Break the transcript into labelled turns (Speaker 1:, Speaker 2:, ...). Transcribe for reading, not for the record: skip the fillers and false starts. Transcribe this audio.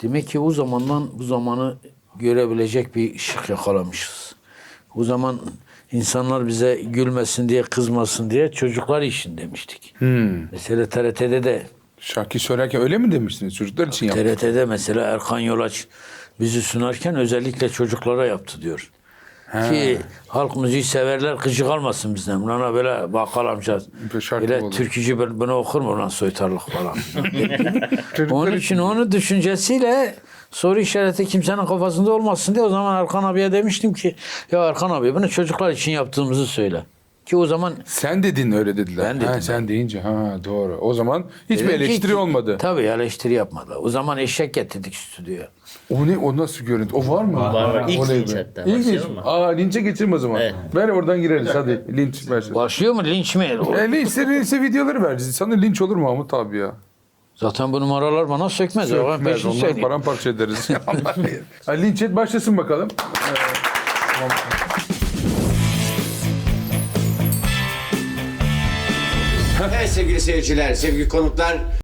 Speaker 1: Demek ki o zamandan bu zamanı görebilecek bir ışık yakalamışız. O zaman insanlar bize gülmesin diye, kızmasın diye çocuklar için demiştik. Mesela TRT'de de
Speaker 2: Şarkı söylerken öyle mi demiştiniz? Çocuklar için yaptı.
Speaker 1: TRT'de mesela Erkan Yolaç bizi sunarken özellikle çocuklara yaptı diyor. Ki halk müziği severler gıcık almasın bizden. Buna böyle bakkal amca
Speaker 2: Bir şarkı
Speaker 1: böyle
Speaker 2: olur.
Speaker 1: türkücü bunu okur mu lan soytarlık falan. Onun için onun düşüncesiyle soru işareti kimsenin kafasında olmasın diye o zaman Erkan abiye demiştim ki ya Erkan abi bunu çocuklar için yaptığımızı söyle. Ki o zaman
Speaker 2: Sen dedin öyle dediler.
Speaker 1: Ben dedim.
Speaker 2: Sen deyince doğru. O zaman hiçbir
Speaker 1: dedim ki-
Speaker 2: eleştiri olmadı.
Speaker 1: Tabii eleştiri yapmadı. O zaman eşek getirdik stüdyoya.
Speaker 2: O ne? O nasıl görüntü? O var mı?
Speaker 3: Var. İlk
Speaker 2: Oley
Speaker 3: linç
Speaker 2: be.
Speaker 3: hatta.
Speaker 2: İlk linç.
Speaker 3: Başlayalım mı?
Speaker 2: Linçe geçelim o zaman.
Speaker 3: Evet.
Speaker 2: Ver oradan gireriz hadi. Linç versin.
Speaker 1: Başlıyor mu linç mi?
Speaker 2: Linçse videoları ver. Sana linç olur Mahmut abi ya.
Speaker 1: Zaten bu numaralar bana sökmez. Ben
Speaker 2: Sökmez.
Speaker 1: peşin
Speaker 2: Onları
Speaker 1: söyleyeyim.
Speaker 2: paramparça ederiz. Linç et başlasın bakalım.
Speaker 4: Evet sevgili seyirciler, sevgili konuklar.